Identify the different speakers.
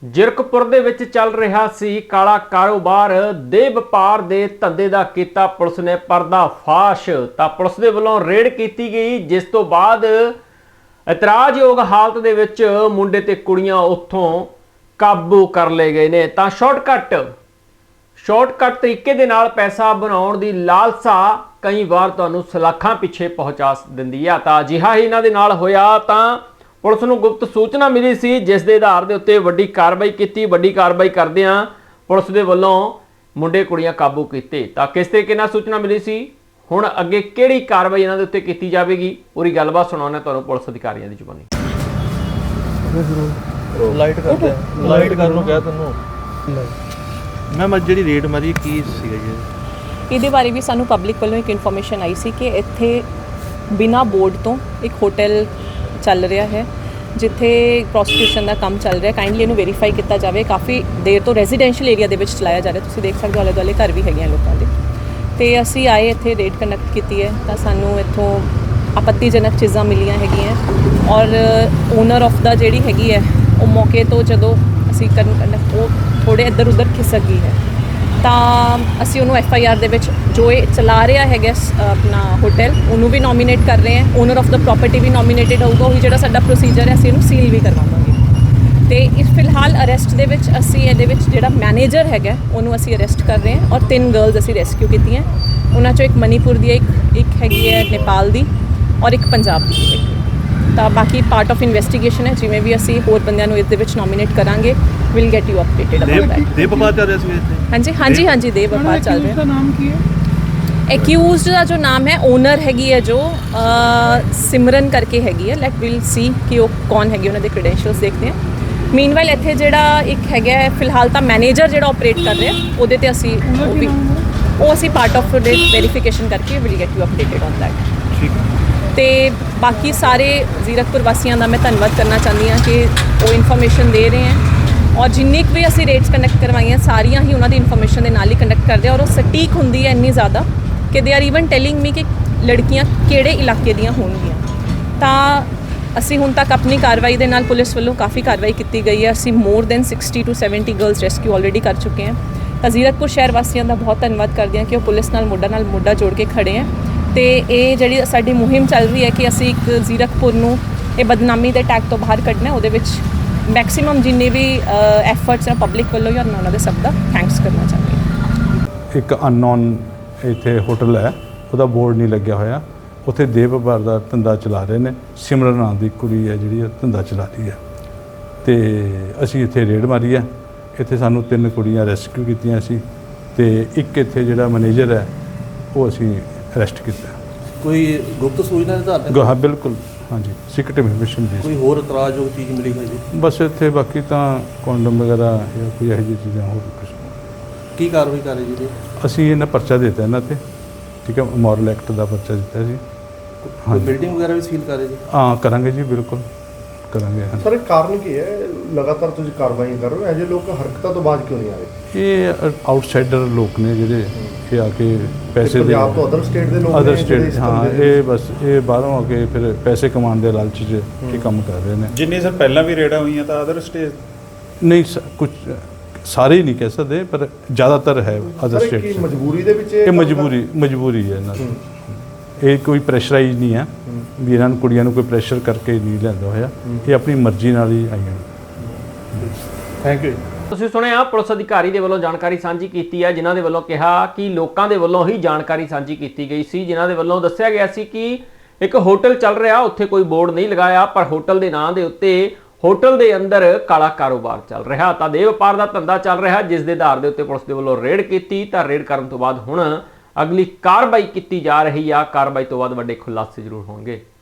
Speaker 1: ਜ਼ਿਰਕਪੁਰ ਦੇ ਵਿੱਚ ਚੱਲ ਰਿਹਾ ਸੀ ਕਾਲਾ ਕਾਰੋਬਾਰ ਦੇ ਵਪਾਰ ਦੇ ਧੰਦੇ ਦਾ ਕੀਤਾ ਪੁਲਿਸ ਨੇ ਪਰਦਾਫਾਸ਼। ਤਾਂ ਪੁਲਿਸ ਦੇ ਵੱਲੋਂ ਰੇਡ ਕੀਤੀ ਗਈ, ਜਿਸ ਤੋਂ ਬਾਅਦ ਇਤਰਾਜ਼ਯੋਗ ਹਾਲਤ ਦੇ ਵਿੱਚ ਮੁੰਡੇ ਤੇ ਕੁੜੀਆਂ ਉੱਥੋਂ ਕਾਬੂ ਕਰ ਲਏ ਗਏ ਨੇ। ਤਾਂ ਸ਼ਾਰਟਕਟ ਤਰੀਕੇ ਦੇ ਨਾਲ ਪੈਸਾ ਬਣਾਉਣ ਦੀ ਲਾਲਸਾ ਕਈ ਵਾਰ ਤੁਹਾਨੂੰ ਸਲਾਖਾਂ ਪਿੱਛੇ ਪਹੁੰਚਾ ਦਿੰਦੀ ਆ। ਤਾਂ ਅਜਿਹਾ ਹੀ ਇਹਨਾਂ ਦੇ ਨਾਲ ਹੋਇਆ। ਤਾਂ ਪੁਲਿਸ ਨੂੰ ਗੁਪਤ ਸੂਚਨਾ ਮਿਲੀ ਸੀ, ਜਿਸ ਦੇ ਆਧਾਰ ਦੇ ਉੱਤੇ ਵੱਡੀ ਕਾਰਵਾਈ ਕੀਤੀ। ਵੱਡੀ ਕਾਰਵਾਈ ਕਰਦਿਆਂ ਪੁਲਿਸ ਦੇ ਵੱਲੋਂ ਮੁੰਡੇ ਕੁੜੀਆਂ ਕਾਬੂ ਕੀਤੇ। ਤਾਂ ਕਿਸ ਤਰੀਕੇ ਨਾਲ ਸੂਚਨਾ ਮਿਲੀ ਸੀ, ਹੁਣ ਅੱਗੇ ਕਿਹੜੀ ਕਾਰਵਾਈ ਇਹਨਾਂ ਦੇ ਉੱਤੇ ਕੀਤੀ ਜਾਵੇਗੀ, ਪੂਰੀ ਗੱਲਬਾਤ ਸੁਣਾਉਣਾ ਤੁਹਾਨੂੰ ਪੁਲਿਸ ਅਧਿਕਾਰੀਆਂ ਦੀ ਜ਼ੁਬਾਨੀ।
Speaker 2: ਲਾਈਟ ਕਰ ਨੂੰ ਕਿਹਾ ਤੈਨੂੰ ਮੈਂ ਜਿਹੜੀ ਰੇਡ ਮਾਰੀ ਕੀ ਸੀਗਾ ਜੀ?
Speaker 3: ਇਹਦੇ ਬਾਰੇ ਵੀ ਸਾਨੂੰ ਪਬਲਿਕ ਵੱਲੋਂ ਇੱਕ ਇਨਫੋਰਮੇਸ਼ਨ ਆਈ ਸੀ ਕਿ ਇੱਥੇ ਬਿਨਾਂ ਬੋਰਡ ਤੋਂ ਇੱਕ ਹੋਟਲ ਚੱਲ ਰਿਹਾ ਹੈ, ਜਿੱਥੇ ਪ੍ਰੋਸਟੀਟਿਊਸ਼ਨ ਦਾ ਕੰਮ ਚੱਲ ਰਿਹਾ। ਕਾਈਂਡਲੀ ਇਹਨੂੰ ਵੈਰੀਫਾਈ ਕੀਤਾ ਜਾਵੇ। ਕਾਫੀ ਦੇਰ ਤੋਂ ਰੈਜ਼ੀਡੈਂਸ਼ੀਅਲ ਏਰੀਆ ਦੇ ਵਿੱਚ ਚਲਾਇਆ ਜਾ ਰਿਹਾ। ਤੁਸੀਂ ਦੇਖ ਸਕਦੇ ਹੋ ਆਲੇ ਦੁਆਲੇ ਘਰ ਵੀ ਹੈਗੇ ਆ ਲੋਕਾਂ ਦੇ। ਤੇ ਅਸੀਂ ਆਏ ਇੱਥੇ ਰੇਡ ਕੰਡਕਟ ਕੀਤੀ ਹੈ, ਤਾਂ ਸਾਨੂੰ ਇੱਥੋਂ ਆਪੱਤੀਜਨਕ ਚੀਜ਼ਾਂ ਮਿਲੀਆਂ ਹੈਗੀਆਂ। ਔਰ ਓਨਰ ਆਫ ਦਾ ਜਿਹੜੀ ਹੈਗੀ ਹੈ, ਉਹ ਮੌਕੇ ਤੋਂ ਜਦੋਂ ਅਸੀਂ ਕੰਡਕਟ ਉਹ ਥੋੜ੍ਹੇ ਇੱਧਰ ਉੱਧਰ ਖਿਸਕ ਗਈ ਹੈ। ਤਾਂ ਅਸੀਂ ਉਹਨੂੰ FIR ਦੇ ਵਿੱਚ ਜੋ ਇਹ ਚਲਾ ਰਿਹਾ ਹੈਗਾ ਆਪਣਾ ਹੋਟਲ, ਉਹਨੂੰ ਵੀ ਨੋਮੀਨੇਟ ਕਰ ਰਹੇ ਹਾਂ। ਓਨਰ ਆਫ ਦਾ ਪ੍ਰੋਪਰਟੀ ਵੀ ਨੋਮੀਨੇਟਡ ਹੋਊਗਾ। ਉਹੀ ਜਿਹੜਾ ਸਾਡਾ ਪ੍ਰੋਸੀਜਰ ਹੈ, ਅਸੀਂ ਇਹਨੂੰ ਸੀਲ ਵੀ ਕਰਵਾਵਾਂਗੇ। ਤੇ ਇਸ ਫਿਲਹਾਲ ਅਰੈਸਟ ਦੇ ਵਿੱਚ ਅਸੀਂ ਇਹਦੇ ਵਿੱਚ ਜਿਹੜਾ ਮੈਨੇਜਰ ਹੈਗਾ ਉਹਨੂੰ ਅਸੀਂ ਅਰੈਸਟ ਕਰ ਰਹੇ ਹਾਂ। ਔਰ 3 ਗਰਲਸ ਅਸੀਂ ਰੈਸਕਿਊ ਕੀਤੀਆਂ। ਉਹਨਾਂ 'ਚੋਂ ਇੱਕ ਮਨੀਪੁਰ ਦੀ ਇੱਕ ਹੈਗੀ ਹੈ, ਨੇਪਾਲ ਦੀ, ਔਰ ਇੱਕ ਪੰਜਾਬ ਦੀ ਹੈਗੀ। ਤਾਂ ਬਾਕੀ ਪਾਰਟ ਆਫ ਇਨਵੈਸਟੀਗੇਸ਼ਨ ਹੈ। ਜਿਵੇਂ ਵੀ ਅਸੀਂ ਹੋਰ ਬੰਦਿਆਂ ਨੂੰ ਇਸ ਦੇ ਵਿੱਚ ਨੋਮੀਨੇਟ ਕਰਾਂਗੇ, will get you updated about that.
Speaker 2: ਦੇ ਵਪਾਰ ਚੱਲ ਰਿਹਾ ਸੀ ਇੱਥੇ?
Speaker 3: ਹਾਂਜੀ ਦੇ ਵਪਾਰ ਚੱਲ ਰਿਹਾ।
Speaker 4: ਦਾ ਨਾਮ ਕੀ ਹੈ?
Speaker 3: ਐਕਿਊਜ਼ਡ ਦਾ ਜੋ ਨਾਮ ਹੈ, ਓਨਰ ਹੈਗੀ ਹੈ ਜੋ ਸਿਮਰਨ ਕਰਕੇ ਹੈਗੀ ਹੈ। ਲੈਟ ਵਿਲ ਸੀ ਕਿ ਉਹ ਕੌਣ ਹੈਗੀ, ਉਹਨਾਂ ਦੇ ਕ੍ਰੈਡੈਂਸ਼ੀਅਲਸ ਦੇਖਦੇ ਹਾਂ। ਮੀਨਵਾਈਲ ਇੱਥੇ ਜਿਹੜਾ ਇੱਕ ਹੈਗਾ ਫਿਲਹਾਲ ਤਾਂ ਮੈਨੇਜਰ ਜਿਹੜਾ ਆਪਰੇਟ ਕਰ ਰਿਹਾ, ਉਹਦੇ ਤੇ ਅਸੀਂ ਉਹ ਅਸੀਂ ਪਾਰਟ ਆਫ ਦੇ ਵੈਰੀਫਿਕੇਸ਼ਨ ਕਰਕੇ will get you updated on that.
Speaker 2: ਠੀਕ ਹੈ।
Speaker 3: ਤੇ ਬਾਕੀ ਸਾਰੇ ਜ਼ੀਰਕਪੁਰ ਵਾਸੀਆਂ ਦਾ ਮੈਂ ਧੰਨਵਾਦ ਕਰਨਾ ਚਾਹੁੰਦੀ ਹਾਂ ਕਿ ਉਹ ਇਨਫੋਰਮੇਸ਼ਨ ਦੇ ਰਹੇ ਹੈ। ਔਰ ਜਿੰਨੀ ਕੁ ਵੀ ਅਸੀਂ ਰੇਟਸ ਕੰਡਕਟ ਕਰਵਾਈਆਂ, ਸਾਰੀਆਂ ਹੀ ਉਹਨਾਂ ਦੀ ਇਨਫੋਰਮੇਸ਼ਨ ਦੇ ਨਾਲ ਹੀ ਕੰਡਕਟ ਕਰਦੇ ਆ। ਔਰ ਉਹ ਸਟੀਕ ਹੁੰਦੀ ਹੈ ਇੰਨੀ ਜ਼ਿਆਦਾ ਕਿ they are even telling me ਕਿ ਲੜਕੀਆਂ ਕਿਹੜੇ ਇਲਾਕੇ ਦੀਆਂ ਹੋਣਗੀਆਂ। ਤਾਂ ਅਸੀਂ ਹੁਣ ਤੱਕ ਆਪਣੀ ਕਾਰਵਾਈ ਦੇ ਨਾਲ ਪੁਲਿਸ ਵੱਲੋਂ ਕਾਫੀ ਕਾਰਵਾਈ ਕੀਤੀ ਗਈ ਹੈ। ਅਸੀਂ more than 60 to 70 girls rescue already ਕਰ ਚੁੱਕੇ ਹਾਂ। ਤਾਂ ਜ਼ੀਰਕਪੁਰ ਸ਼ਹਿਰ ਵਾਸੀਆਂ ਦਾ ਬਹੁਤ ਧੰਨਵਾਦ ਕਰਦੇ ਹਾਂ ਕਿ ਉਹ ਪੁਲਿਸ ਨਾਲ ਮੋਢਾ ਜੋੜ ਕੇ ਖੜੇ ਹੈ। ਤੇ ਇਹ ਜਿਹੜੀ ਸਾਡੀ ਮੁਹਿੰਮ ਚੱਲ ਰਹੀ ਹੈ ਕਿ ਅਸੀਂ ਇੱਕ ਜ਼ੀਰਕਪੁਰ ਨੂੰ ਇਹ ਬਦਨਾਮੀ ਦੇ ਟੈਗ ਤੋਂ ਬਾਹਰ ਕੱਢਣਾ, ਉਹਦੇ ਵਿੱਚ ਮੈਕਸਿਮਮ ਜਿੰਨੇ ਵੀ ਐਫਰਟਸ ਹੈ ਪਬਲਿਕ ਵੱਲੋਂ ਜਾਂ ਉਹਨਾਂ ਦੇ ਸਭ ਦਾ ਥੈਂਕਸ ਕਰਨਾ ਚਾਹੁੰਦੀ ਹਾਂ।
Speaker 5: ਇੱਕ ਅਨਨੋਨ ਇੱਥੇ ਹੋਟਲ ਹੈ, ਉਹਦਾ ਬੋਰਡ ਨਹੀਂ ਲੱਗਿਆ ਹੋਇਆ। ਉੱਥੇ ਦੇ ਵਪਾਰ ਦਾ ਧੰਦਾ ਚਲਾ ਰਹੇ ਨੇ। ਸਿਮਰਨ ਨਾਂ ਦੀ ਕੁੜੀ ਹੈ ਜਿਹੜੀ ਧੰਦਾ ਚਲਾ ਰਹੀ ਹੈ। ਤੇ ਅਸੀਂ ਇੱਥੇ ਰੇਡ ਮਾਰੀ ਹੈ। ਇੱਥੇ ਸਾਨੂੰ 3 ਕੁੜੀਆਂ ਰੈਸਕਿਊ ਕੀਤੀਆਂ ਸੀ, ਤੇ ਇੱਕ ਇੱਥੇ ਜਿਹੜਾ ਮੈਨੇਜਰ ਹੈ ਉਹ ਅਸੀਂ ਅਰੈਸਟ ਕੀਤਾ।
Speaker 2: ਕੋਈ ਗੁਪਤ ਸੂਚਨਾ ਦੇ ਆਧਾਰ ਤੇ?
Speaker 5: ਹਾਂ ਬਿਲਕੁਲ, ਹਾਂਜੀ, ਸੀਕ੍ਰੇਟ ਇਨਫੋਰਮੇਸ਼ਨ ਦੀ।
Speaker 2: ਕੋਈ ਹੋਰ ਇਤਰਾਜ਼ਯੋਗ ਚੀਜ਼ ਮਿਲੀ ਹੋਈ ਜੀ?
Speaker 5: ਬਸ ਇੱਥੇ ਬਾਕੀ ਤਾਂ ਕੌਂਡਮ ਵਗੈਰਾ ਜਾਂ ਕੋਈ ਇਹੋ ਜਿਹੀ ਚੀਜ਼ਾਂ ਹੋਰ ਕੁਛ।
Speaker 2: ਕੀ ਕਾਰਵਾਈ ਕਰ ਰਹੇ ਜੀ?
Speaker 5: ਅਸੀਂ ਇਹਨਾਂ ਪਰਚਾ ਦੇ ਦਿੱਤਾ ਇਹਨਾਂ 'ਤੇ, ਠੀਕ ਹੈ, ਮੋਰਲ ਐਕਟ ਦਾ ਪਰਚਾ ਦਿੱਤਾ ਸੀ।
Speaker 2: ਕੋਈ ਬਿਲਡਿੰਗ ਵਗੈਰਾ ਵੀ ਸੀਲ ਕਰ ਰਹੇ ਜੀ?
Speaker 5: ਹਾਂ ਕਰਾਂਗੇ ਜੀ, ਬਿਲਕੁਲ ਕਰਾਂਗੇ।
Speaker 4: ਸਰ, ਕਾਰਨ ਕੀ ਹੈ ਲਗਾਤਾਰ ਤੁਸੀਂ ਕਾਰਵਾਈ ਕਰ ਰਹੇ ਹੋ? ਅਜੇ ਲੋਕ ਹਰਕਤਾਂ ਤੋਂ ਬਾਅਦ ਕਿਉਂ ਨਹੀਂ ਆ ਰਹੇ?
Speaker 5: ਇਹ ਆਊਟਸਾਈਡਰ ਲੋਕ ਨੇ ਜਿਹੜੇ ਇਹ ਆ ਕੇ ਪੈਸੇ ਦੇ
Speaker 4: ਪੰਜਾਬ ਤੋਂ ਅਦਰ ਸਟੇਟ ਦੇ ਲੋਕ
Speaker 5: ਅਦਰ ਸਟੇਟ, ਹਾਂ, ਇਹ ਬਸ ਇਹ ਬਾਹਰੋਂ ਆ ਕੇ ਫਿਰ ਪੈਸੇ ਕਮਾਉਣ ਦੇ ਲਾਲਚ 'ਚ ਇਹ ਕੰਮ ਕਰ ਰਹੇ ਨੇ।
Speaker 6: ਜਿੰਨੇ ਸਰ ਪਹਿਲਾਂ ਵੀ ਰੇਡਾਂ ਹੋਈਆਂ ਤਾਂ ਅਦਰ ਸਟੇਟ
Speaker 5: ਨਹੀਂ, ਕੁਝ ਸਾਰੇ ਹੀ ਨਹੀਂ ਕਹਿ ਸਕਦੇ, ਪਰ ਜ਼ਿਆਦਾਤਰ ਹੈ ਅਦਰ ਸਟੇਟ।
Speaker 4: ਕੀ ਮਜਬੂਰੀ ਦੇ ਵਿੱਚ
Speaker 5: ਇਹ ਮਜਬੂਰੀ ਹੈ ਇਹਨਾਂ ਦੀ। ਇਹ ਕੋਈ ਪ੍ਰੈਸ਼ਰਾਈਜ਼ ਨਹੀਂ ਹੈ ਵੀ ਇਹਨਾਂ ਨੂੰ ਕੁੜੀਆਂ ਨੂੰ ਕੋਈ ਪ੍ਰੈਸ਼ਰ ਕਰਕੇ ਨਹੀਂ ਲਿਆਂਦਾ ਹੋਇਆ। ਇਹ ਆਪਣੀ ਮਰਜ਼ੀ ਨਾਲ ਹੀ ਆਈਆਂ।
Speaker 4: Thank you.
Speaker 1: ਤੁਸੀਂ ਸੁਣਿਆ ਪੁਲਿਸ ਅਧਿਕਾਰੀ ਦੇ ਵੱਲੋਂ ਜਾਣਕਾਰੀ ਸਾਂਝੀ ਕੀਤੀ ਹੈ, ਜਿਨ੍ਹਾਂ ਦੇ ਵੱਲੋਂ ਕਿਹਾ ਕਿ ਲੋਕਾਂ ਦੇ ਵੱਲੋਂ ਹੀ ਜਾਣਕਾਰੀ ਸਾਂਝੀ ਕੀਤੀ ਗਈ ਸੀ, ਜਿਨ੍ਹਾਂ ਦੇ ਵੱਲੋਂ ਦੱਸਿਆ ਗਿਆ ਸੀ ਕਿ ਇੱਕ ਹੋਟਲ ਚੱਲ ਰਿਹਾ, ਉੱਥੇ ਕੋਈ ਬੋਰਡ ਨਹੀਂ ਲਗਾਇਆ, ਪਰ ਹੋਟਲ ਦੇ ਨਾਂ ਦੇ ਉੱਤੇ ਹੋਟਲ ਦੇ ਅੰਦਰ ਕਾਲਾ ਕਾਰੋਬਾਰ ਚੱਲ ਰਿਹਾ। ਤਾਂ ਦੇ ਵਪਾਰ ਦਾ ਧੰਦਾ ਚੱਲ ਰਿਹਾ, ਜਿਸ ਦੇ ਆਧਾਰ ਦੇ ਉੱਤੇ ਪੁਲਿਸ ਦੇ ਵੱਲੋਂ ਰੇਡ ਕੀਤੀ। ਤਾਂ ਰੇਡ ਕਰਨ ਤੋਂ ਬਾਅਦ ਹੁਣ ਅਗਲੀ ਕਾਰਵਾਈ ਕੀਤੀ ਜਾ ਰਹੀ ਆ। ਕਾਰਵਾਈ ਤੋਂ ਬਾਅਦ ਵੱਡੇ ਖੁਲਾਸੇ ਜ਼ਰੂਰ ਹੋਣਗੇ।